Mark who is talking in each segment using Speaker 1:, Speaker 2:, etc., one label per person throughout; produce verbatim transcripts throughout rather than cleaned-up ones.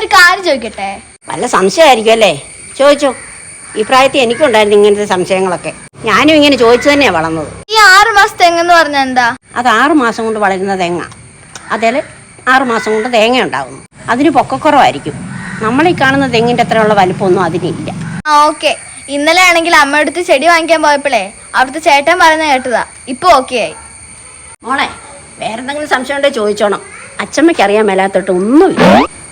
Speaker 1: ഒരു കാര്യം ചോദിക്കട്ടെ?
Speaker 2: വല്ല സംശയമായിരിക്കും അല്ലേ? ചോദിച്ചോ. ഈ പ്രായത്തിൽ എനിക്കുണ്ടായിരുന്നു ഇങ്ങനത്തെ സംശയങ്ങളൊക്കെ. ഞാനും ഇങ്ങനെ ചോദിച്ചു തന്നെയാണ് വളർന്നത്.
Speaker 1: ഈ ആറു മാസം തെങ്ങെന്ന് പറഞ്ഞാൽ എന്താ?
Speaker 2: അത് ആറു മാസം കൊണ്ട് വളരുന്ന തെങ്ങ. അതേല് ആറു മാസം കൊണ്ട് തേങ്ങ ഉണ്ടാകുന്നു. അതിന് പൊക്കക്കുറവായിരിക്കും. നമ്മൾ ഈ കാണുന്ന തെങ്ങിന്റെ അത്രയുള്ള വലിപ്പമൊന്നും അതിനില്ല.
Speaker 1: ആ ഓക്കെ. ഇന്നലെ ആണെങ്കിൽ അമ്മ അടുത്ത് ചെടി വാങ്ങിക്കാൻ പോയപ്പോഴേ അവിടുത്തെ ചേട്ടൻ പറയുന്നത് കേട്ടതാ. ഇപ്പൊ ഓക്കെ ആയി.
Speaker 2: മോളെ, വേറെന്തെങ്കിലും സംശയം ഉണ്ടോ ചോദിച്ചോണം. അച്ചമ്മയ്ക്ക് അറിയാൻ മേലാത്തോട്ട് ഒന്നുമില്ല.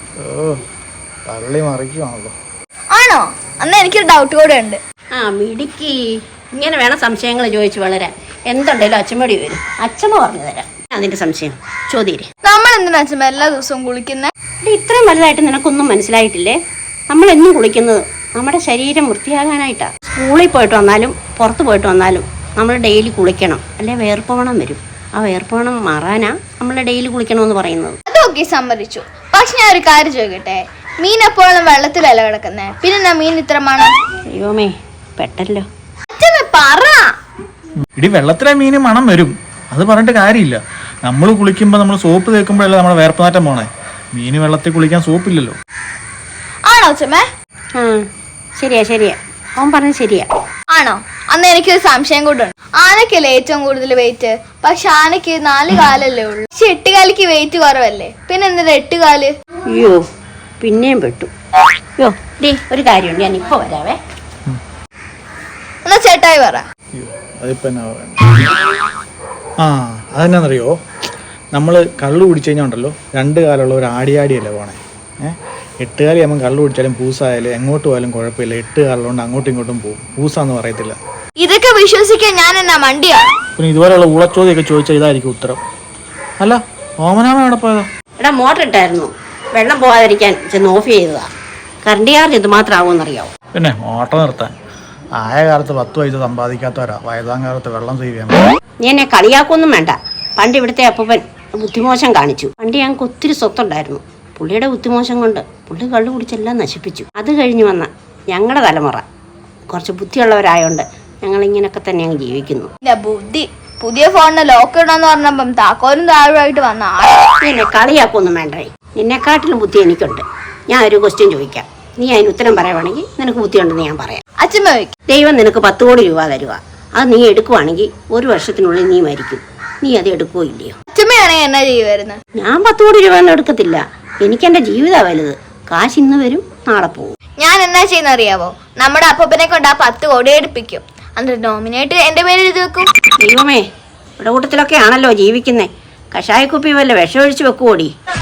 Speaker 1: ആണോ? അന്ന് എനിക്കൊരു ഡൗട്ട് കൂടെ ഉണ്ട്.
Speaker 2: ആ മിടുക്കി, ഇങ്ങനെ വേണം സംശയങ്ങൾ ചോദിച്ചു വളരാൻ. എന്തുണ്ടേലും അച്ചമ്മടി വരും, അച്ചമ്മ പറഞ്ഞു തരാം. അതിന്റെ സംശയം ചോദ്യേ.
Speaker 1: നമ്മൾ എന്തിനാ അച്ഛമ്മ എല്ലാ ദിവസവും കുളിക്കുന്നേ?
Speaker 2: ഇത്രയും വലുതായിട്ട് നിനക്കൊന്നും മനസ്സിലായിട്ടില്ലേ? നമ്മൾ എന്നും കുളിക്കുന്നത് നമ്മുടെ ശരീരം വൃത്തിയാകാനായിട്ടാണ്. സ്കൂളിൽ പോയിട്ട് വന്നാലും പുറത്ത് പോയിട്ട് വന്നാലും നമ്മൾ ഡെയിലി കുളിക്കണം, അല്ലെ വേർപ്പവണം വരും. ആ വേർപ്പവണം മാറാനാ നമ്മൾ ഡെയിലി കുളിക്കണമെന്ന് പറയുന്നത്.
Speaker 1: അതൊക്കെ സമ്മതിച്ചു. പക്ഷെ ഞാൻ ഒരു കാര്യം ചോദിക്കട്ടെ, മീൻ എപ്പോഴും വെള്ളത്തിലല്ല കിടക്കുന്നേ, പിന്നെ മീൻ ഇത്ര മണം?
Speaker 2: അയ്യോമേ, പെട്ടല്ലോ.
Speaker 1: അച്ഛമ്മ പറ.
Speaker 3: ഇടി വെള്ളത്തിലെ മീന് മണം വരും, അത് പറഞ്ഞിട്ട് കാര്യമില്ല. നമ്മൾ കുളിക്കുമ്പോൾ നമ്മൾ സോപ്പ് തേക്കുമ്പോഴല്ലേ നമ്മുടെ വേർപ്പനാറ്റം പോണേ. മീന് വെള്ളത്തിൽ കുളിക്കാൻ സോപ്പില്ലല്ലോ.
Speaker 1: ആണോ അച്ഛമ്മേ?
Speaker 2: ആ ശരിയാ ശരിയാ, അവൻ പറഞ്ഞത് ശരിയാ.
Speaker 1: ആണോ? അന്ന് എനിക്കൊരു സംശയം കൂടെ ഉണ്ട്. ആനക്കല്ലേ ഏറ്റവും കൂടുതൽ വെയിറ്റ്? പക്ഷെ ആനക്ക് നാല് കാലല്ലേ ഉള്ളൂ. പക്ഷെ എട്ടുകാലിക്ക് വെയിറ്റ് കുറവല്ലേ, പിന്നെ എന്തിനാ എട്ടുകാല്?
Speaker 2: അയ്യോ, പിന്നെയും പെട്ടു. അയ്യോ ഡേ, ഒരു കാര്യമുണ്ട്, ഞാൻ ഇപ്പൊ വരാവേ.
Speaker 1: എന്നാ ചേട്ടായി പറ.
Speaker 3: ആ അതെന്നാന്നറിയോ, നമ്മൾ കള്ളു കുടിച്ചു കഴിഞ്ഞാൽ ഉണ്ടല്ലോ രണ്ട് കാലമുള്ള ഒരു ആടിയാടിയല്ലേ പോണേ. ഏഹ് എട്ടുകാലി ആകുമ്പോൾ കള്ളു കുടിച്ചാലും പൂസായാലും എങ്ങോട്ട് പോയാലും കുഴപ്പമില്ല. എട്ട് കാലുകൊണ്ട് അങ്ങോട്ടും ഇങ്ങോട്ടും പോകും, പൂസാന്ന് പറയത്തില്ല.
Speaker 1: ഇതൊക്കെ വിശ്വസിക്കാൻ ഞാൻ എന്നാ മണ്ടിയാണ്?
Speaker 3: പിന്നെ ഇതുപോലെയുള്ള ഊളച്ചോദ്യമൊക്കെ ചോദിച്ചാൽ ഇതായിരിക്കും ഉത്തരം. അല്ല, ഓമനാമ എവിടെ പോയതാ?
Speaker 2: എടാ, മോട്ടർ ഇട്ടായിരുന്നു, വെള്ളം പോകാതിരിക്കാൻ ചെന്ന് ഓഫ് ചെയ്തതാ. കറണ്ട് ചാർജ് ഇത് മാത്രമാവുമെന്നറിയാവോ?
Speaker 3: പിന്നെ മോട്ടർ നിർത്താൻ ആയ കാലത്ത് പത്ത് പൈസ സമ്പാദിക്കാത്തവരാ വയതാം കാലത്ത് വെള്ളം സേവ് ചെയ്യാൻ.
Speaker 2: നീ എന്നെ കളിയാക്കൊന്നും വേണ്ട. പണ്ട് ഇവിടുത്തെ അപ്പൂപ്പൻ ബുദ്ധിമോശം കാണിച്ചു. പണ്ട് ഞങ്ങൾക്ക് ഒത്തിരി സ്വത്തുണ്ടായിരുന്നു. പുള്ളിയുടെ ബുദ്ധിമോശം കൊണ്ട് പുള്ളി കള്ളു കുടിച്ചെല്ലാം നശിപ്പിച്ചു. അത് കഴിഞ്ഞ് വന്ന ഞങ്ങളുടെ തലമുറ കുറച്ച് ബുദ്ധിയുള്ളവരായോണ്ട് ഞങ്ങൾ ഇങ്ങനെയൊക്കെ തന്നെ അങ്ങ് ജീവിക്കുന്നു.
Speaker 1: ബുദ്ധി പുതിയ ഫോണിന് ലോക്ക് ഇടാന്ന് പറഞ്ഞപ്പം താക്കോലും താഴുമായിട്ട് വന്ന ആള്.
Speaker 2: എന്നെ കളിയാക്കൊന്നും വേണ്ടേ. നിന്നെക്കാട്ടിലും ബുദ്ധി എനിക്കുണ്ട്. ഞാൻ ഒരു ക്വസ്റ്റ്യൻ ചോദിക്കാം, നീ അതിന് ഉത്തരം പറയുവാണെങ്കിൽ നിനക്ക് ബുദ്ധിയുണ്ടെന്ന് ഞാൻ പറയാം.
Speaker 1: അച്ഛമ്മ ചോദിക്കും.
Speaker 2: ദൈവം നിനക്ക് പത്ത് കോടി രൂപ തരുക. അത് നീ എടുക്കുവാണെങ്കിൽ ഒരു വർഷത്തിനുള്ളിൽ നീ മരിക്കും. നീ അത് എടുക്കുകയോ ഇല്ലയോ?
Speaker 1: അച്ഛമ്മയാണെങ്കിൽ എന്നാ ചെയ്യുമായിരുന്നു?
Speaker 2: ഞാൻ പത്ത് കോടി രൂപ ഒന്നും എടുക്കത്തില്ല. എനിക്ക് എന്റെ ജീവിതമാണ് വലുത്. കാശ് ഇന്ന് വരും, നാളെ പോകും.
Speaker 1: ഞാൻ എന്നാ ചെയ്യുന്ന അറിയാവോ? നമ്മുടെ അപ്പനെ കൊണ്ട് ആ പത്ത് കോടി എടുപ്പിക്കും. എന്നിട്ട് നോമിനേറ്റ് എന്റെ പേര് എഴുതി വെക്കും.
Speaker 2: ദൈവമേ, ഇവിടെ കൂട്ടത്തിലൊക്കെ ആണല്ലോ ജീവിക്കുന്നേ. കഷായക്കുപ്പി വല്ല വിഷമൊഴിച്ച് വെക്കുവോടി?